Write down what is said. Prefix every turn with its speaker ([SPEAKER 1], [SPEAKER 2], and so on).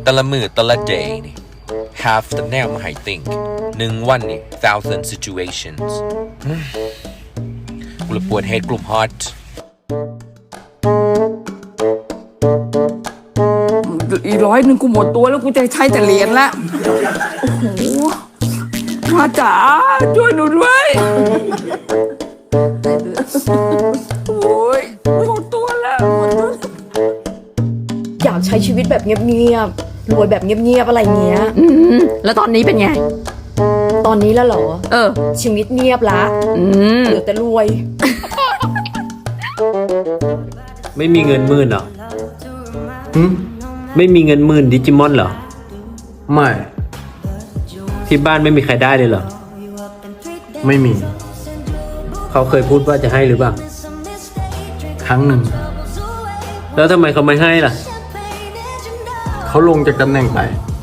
[SPEAKER 1] แต่ละมือแต่ละ day นี่ half the แนวมาให้ think 1 วันนี่ thousand situations กูเลยปวด head กลุ่ม hot
[SPEAKER 2] อี100กูหมดตัวแล้วกูจะใช้แต่เหรียญละโอ้โหพระจ๋าช่วยหนูด้วยโอ้ยหมดตัวแล้วหมดตัว
[SPEAKER 3] อยากใช้ชีวิตแบบเงียบๆ รวยแบบเงียบๆ อะไรเงี้ย
[SPEAKER 2] แล้วตอนนี้เป็นไง
[SPEAKER 3] ตอนนี้แล้วเหรอ ชีวิตเงียบละเหลือแต่รวย
[SPEAKER 4] ไม่มีเงินหมื่นเหรอไม่มีเงินหมื่นดิจิมอนเหรอ
[SPEAKER 5] ไม่
[SPEAKER 4] ที่บ้านไม่มีใครได้เลยเหรอ
[SPEAKER 5] ไม่มี
[SPEAKER 4] เขาเคยพูดว่าจะให้หรือเปล่า
[SPEAKER 5] ครั้งหนึ่ง
[SPEAKER 4] แล้วทำไมเขาไม่ให้ล่ะ
[SPEAKER 5] เขาลงจากตำแหน่งไป